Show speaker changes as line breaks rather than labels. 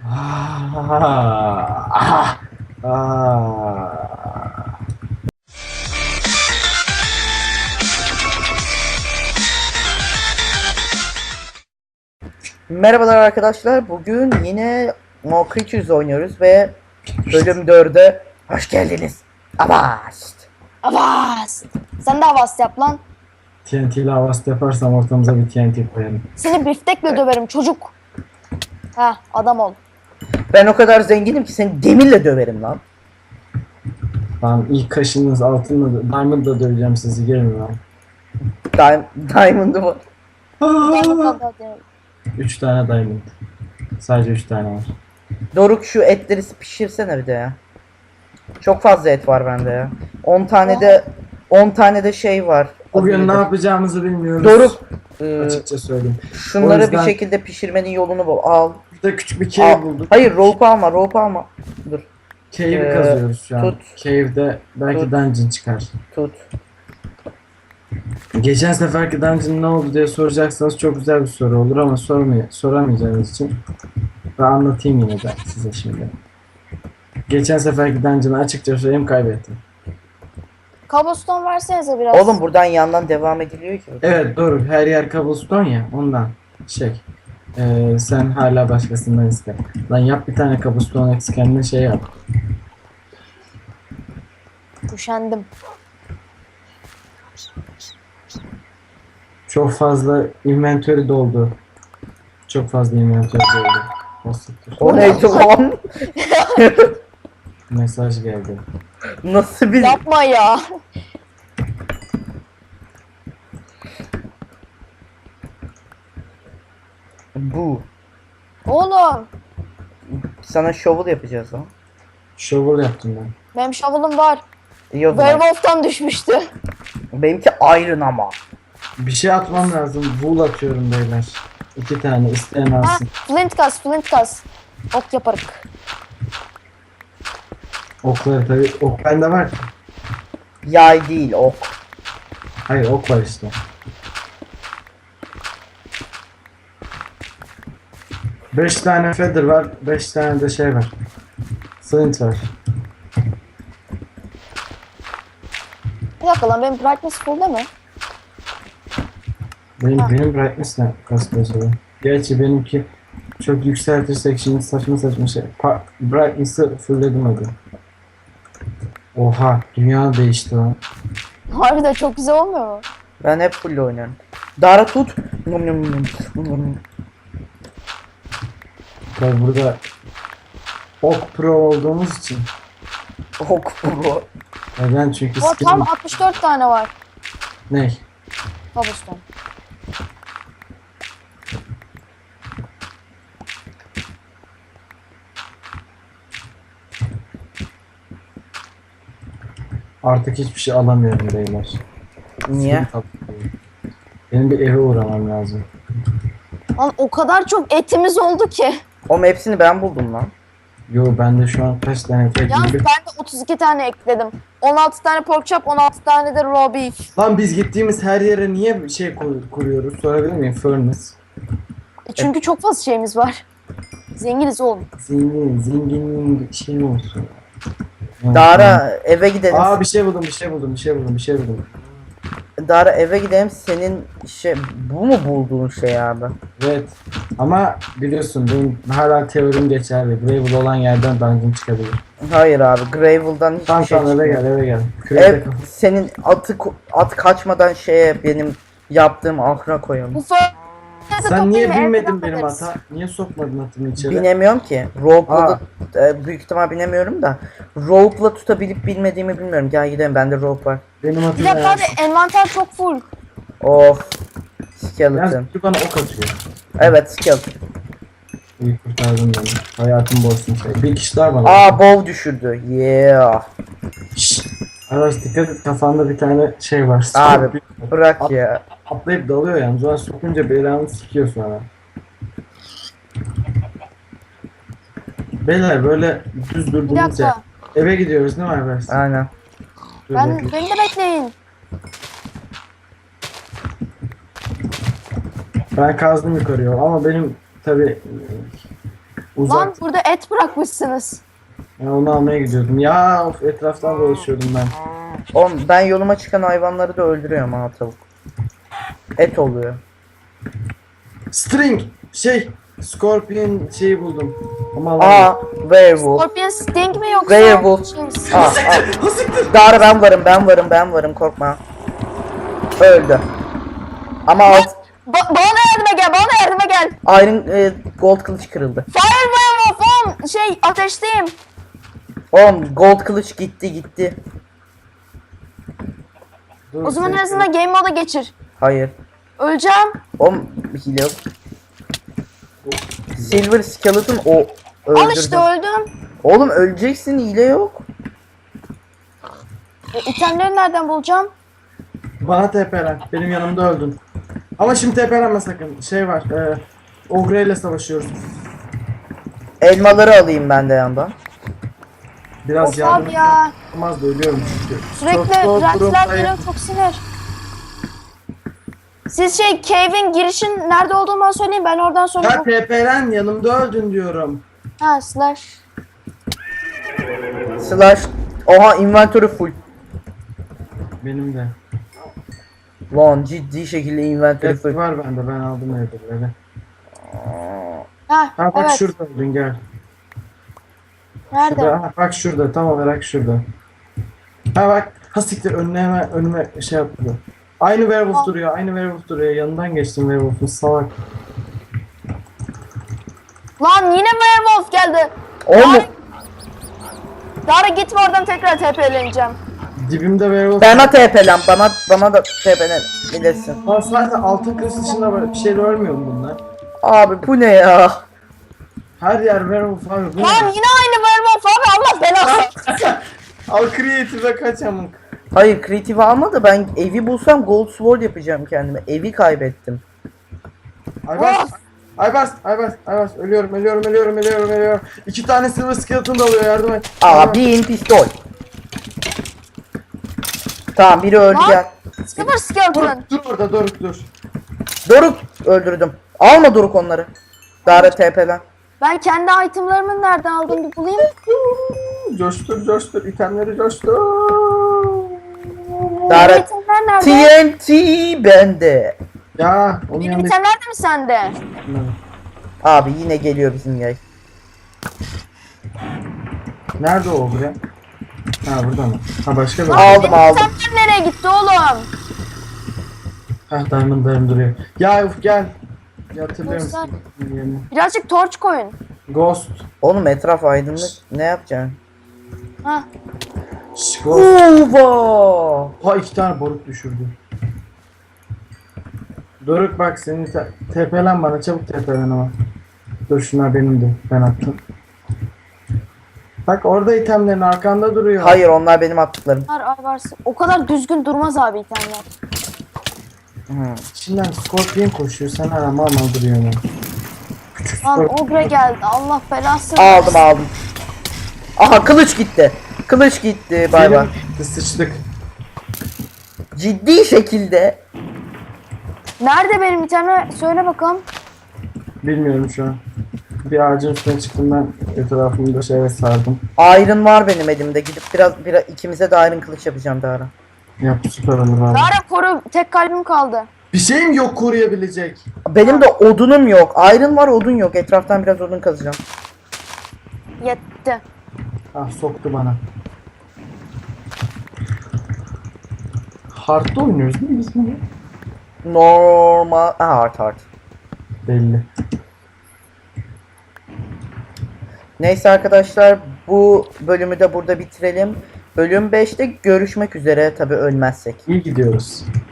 Ah, ah, ah.
Merhabalar arkadaşlar. Bugün yine More Creatures oynuyoruz ve bölüm 4'e hoş geldiniz. Avast.
Avast. Sen de avast yap lan.
TNT ile havas yaparsam ortamıza bir TNT koyarım.
Seni biftekle döverim çocuk. Ha adam ol.
Ben o kadar zenginim ki seni demirle döverim lan.
Ben ilk kaşınız altınla diamond'la döveceğim sizi, gelin lan.
Diamond'ı var.
Ah! 3 tane diamond. Sadece 3 tane var.
Doruk şu etleri pişirsene bir de ya. Çok fazla et var bende ya. 10 tane de şey var.
Bugün ne yapacağımızı bilmiyoruz.
Doruk
Açıkça söyleyeyim.
şunları
O yüzden-
bir şekilde pişirmenin yolunu bul. Al.
Burada küçük bir cave
Al.
bulduk.
Hayır, rope alma. Dur.
Cave'i kazıyoruz şu an.
tut.
Cave'de belki
Tut.
dungeon çıkar.
Tut.
Geçen seferki dungeon ne oldu diye soracaksanız çok güzel bir soru olur ama soramayacağınız için ben anlatayım yine de size şimdi. Geçen seferki dungeon'ı açıkça söyleyeyim, kaybettim.
Cobblestone versenize biraz.
Oğlum buradan yandan devam ediliyor ki.
Evet doğru, her yer cobblestone ya, ondan sen hala başkasından iste. Lan yap bir tane cobblestone eksik, kendine şey yap.
Üşendim.
Çok fazla inventory doldu. Çok fazla inventory doldu. Basit.
O neydi lan?
Mesaj geldi.
Nasıl bir...
Yapma ya.
Bu.
Oğlum.
Sana shovel yapacağız lan.
Shovel yaptım ben.
Benim shovel'ım var.
İyi o zaman.
Werewolf'tan düşmüştü.
Benimki iron ama.
Bir şey atmam lazım. Wool atıyorum beyler. 2 tane isteyen
Ha,
alsın.
flint kas. Ok yaparık.
Okları tabii. Ok bende var.
Yay değil, ok.
Hayır, ok var işte. Beş tane feather var. 5 tane de şey var. Flint var.
Bir dakika lan benim brightness full değil mi?
Benim brightness ne kasıyor acaba? Gerçi benimki çok yükseltirsek şimdi saçma saçma şey. Brightness'ı fullledim hadi. Oha, dünya değişti lan.
Harbiden çok güzel olmuyor mu?
Ben hep full oynuyorum. Dara tut. Nom nom nom. Nom nom.
Tabii burada ok pro olduğumuz için.
Ok bu.
Neden? Çünkü
O tam 64 tane var.
ne?
Cobblestone.
Artık hiçbir şey alamıyorum beyler.
Niye?
Benim bir eve uğramam lazım.
Lan o kadar çok etimiz oldu ki.
Oğlum hepsini ben buldum lan.
Yo, bende şu an kaç tane tek
Yalnız ben de 32 tane ekledim. 16 tane pork chop, 16 tane de raw beef.
Lan biz gittiğimiz her yere niye şey kuruyoruz? Sorabilir miyim? Furnace.
Çünkü çok fazla şeyimiz var. Zenginiz oğlum.
Zenginliğin şey mi olsun?
Dara eve gidelim.
Aa, bir şey buldum.
Dara eve gidelim. Senin bu mu bulduğun şey abi?
Evet. Ama biliyorsun benim hala teorim geçerli. Gravel olan yerden dungeon çıkabilir.
Hayır abi. Gravel'dan hiçbir
Tamam
şey
tamam, eve
çıkmıyor.
gel.
Ev
Kürekle
senin at kaçmadan benim yaptığım ahıra koyalım.
Bu fırını
Sen niye
toplayayım,
binmedin
evde
benim
yaparız.
ata? Niye sokmadın atımı içeri?
Binemiyorum ki. Rope'la da büyük ihtimal binemiyorum da. Rope'la tutabilip bilmediğimi bilmiyorum. Gel gidelim, bende rope var.
Benim
Bir
atım
dakika abi envanter çok full.
Of. Skeleton.
Yalnız bana ok atıyor.
Evet, skeleton.
İyi kurtardın beni. Hayatım boşsun şey. Bir kişi daha bana.
Aa, bow düşürdü. Yeah.
Şşş. Arkadaş dikkat et, kafanda bir tane şey var.
Abi bırak ya.
Atlayıp dalıyor yalnız. O sokunca belanı sikiyor sonra. Beyler böyle düz
Bir
durduğumuz yer.
dakika.
Eve gidiyoruz değil mi arkadaş?
Aynen.
Dur
Beni
bekle.
de bekleyin.
Ben kazdım yukarıya ama benim tabi Uzak.
Lan burada et bırakmışsınız.
Ben onu almaya gidiyordum. Ya of, etraftan dolaşıyordum ben.
Oğlum ben yoluma çıkan hayvanları da öldürüyorum ha tavuk. Et oluyor.
String Scorpion şeyi buldum. Ama alamıyorum.
Aa werewolf.
Scorpion Sting mi yoksa?
Werewolf.
Şey,
Aa,
Hasiktir, hasiktir.
Dara ben varım korkma. Öldü. Ama
Bana yardıma gel, bana yardıma gel.
Iron gold kılıç kırıldı.
Fire Werewolf oğlum. Şey, ateşteyim.
Oğlum gold kılıç gitti.
Dur,
O zaman en
seni-
azından game moda geçir.
Hayır.
Öleceğim.
Oğlum hile yok. Silver skeleton o
Al
öldürdü.
işte öldüm.
Oğlum öleceksin hile yok.
İtemleri nereden bulacağım?
Bana TP'len. Benim yanımda öldün. Ama şimdi TP'lenme sakın. Şey var. Ogre ile savaşıyoruz.
Elmaları alayım ben de yandan.
Biraz
Of
yardım
abi ya.
olmaz da ölüyorum çünkü.
Sürekli
Çok
rentler
durumdayım.
geliyor, çok sinir. Siz cave'in girişin nerede olduğunu bana söyleyin, ben oradan
Ya
sonra...
TP'len, yanımda öldün diyorum.
Ha slash.
Slash. Oha inventory full.
Benim de.
Lan ciddi şekilde inventory
Evet,
full.
var bende, ben aldım evdeleri.
Ha,
Ha bak
evet.
şurada öldün, gel.
Nerede?
Şurada, ha, bak şurada, tam olarak şurada. Ha bak, ha siktir, önüme şey yaptı. Aynı werewolf duruyor, aynı werewolf duruyor. Yanından geçtim werewolf'un, salak.
Lan yine werewolf geldi.
Oğlum
Dara gitme oradan, tekrar TP'leneceğim.
Dibimde werewolf.
bana TP'len bana da TP'len bilirsin.
Lan zaten altın kılıç dışında böyle bir şey de ölmüyor mu bunlar?
Abi bu ne ya?
Her yer werewolf abi, bu ne?
Lan yine aynı werewolf abi, Allah belası.
Al creative'e kaç amık.
Hayır creative alma da ben evi bulsam gold sword yapacağım kendime. Evi kaybettim.
Aybars. Aybars. Ölüyorum. 2 tane silver skeleton da alıyor, yardım et.
Aa bin pistol. Tamam biri öldü
Lan.
gel.
Sıfır skeleton.
Dur orada, dur.
Doruk öldürdüm. Alma Doruk onları. Dara TP'len.
Ben kendi itemlarımı nereden aldım bir bulayım.
Coştur, itemleri coştur.
Dara
Benim itemler nerede?
TNT bende.
Ya, onun
Benim
yanında...
itemler de mi sende?
Abi yine geliyor bizim yay.
Nerede o buraya? Ha, burada mı? Ha, başka bir...
Aldım
Benim
aldım.
itemler nereye gitti oğlum?
Ha, diamondlarım duruyor. Ya uf, gel. Ya, hatırlıyor
Dostlar.
musun? Yerini.
Birazcık torç koyun.
Ghost.
Oğlum etraf aydınlık. Ne yapacaksın?
Ha.
Şş, Ghost.
Ova!
Ha, 2 tane boruk düşürdü. Doruk bak, senin TP'len bana, çabuk TP'len ama. Dur, şunlar benimdi. Ben attım. Bak orada itemlerin arkanda duruyor.
Hayır onlar benim attıklarım.
Varsın. O kadar düzgün durmaz abi itemler.
İçinden Scorpion koşuyor, sen hala mal duruyorsun.
Lan ogre geldi. Allah belasını.
Aldım. Aha kılıç gitti. Kılıç gitti. Bay bay.
Sıçtık.
Ciddi şekilde.
Nerede benim itemler? Söyle bakalım.
Bilmiyorum şu an. Bir ağacın üstüne çıktım, ben etrafımda şeye sardım.
Iron var benim elimde. Gidip biraz ikimize de iron kılıç yapacağım Dara.
Yap, süper olur abi.
Dara koru. Tek kalbim kaldı.
Bir şeyim yok koruyabilecek.
Benim de odunum yok. Iron var odun yok. Etraftan biraz odun kazacağım.
Yetti.
Ah, soktu bana. Hard'da oynuyoruz değil mi biz bunu?
Normal. Hard.
Belli.
Neyse arkadaşlar bu bölümü de burada bitirelim. Bölüm 5'te görüşmek üzere tabi ölmezsek.
İyi gidiyoruz.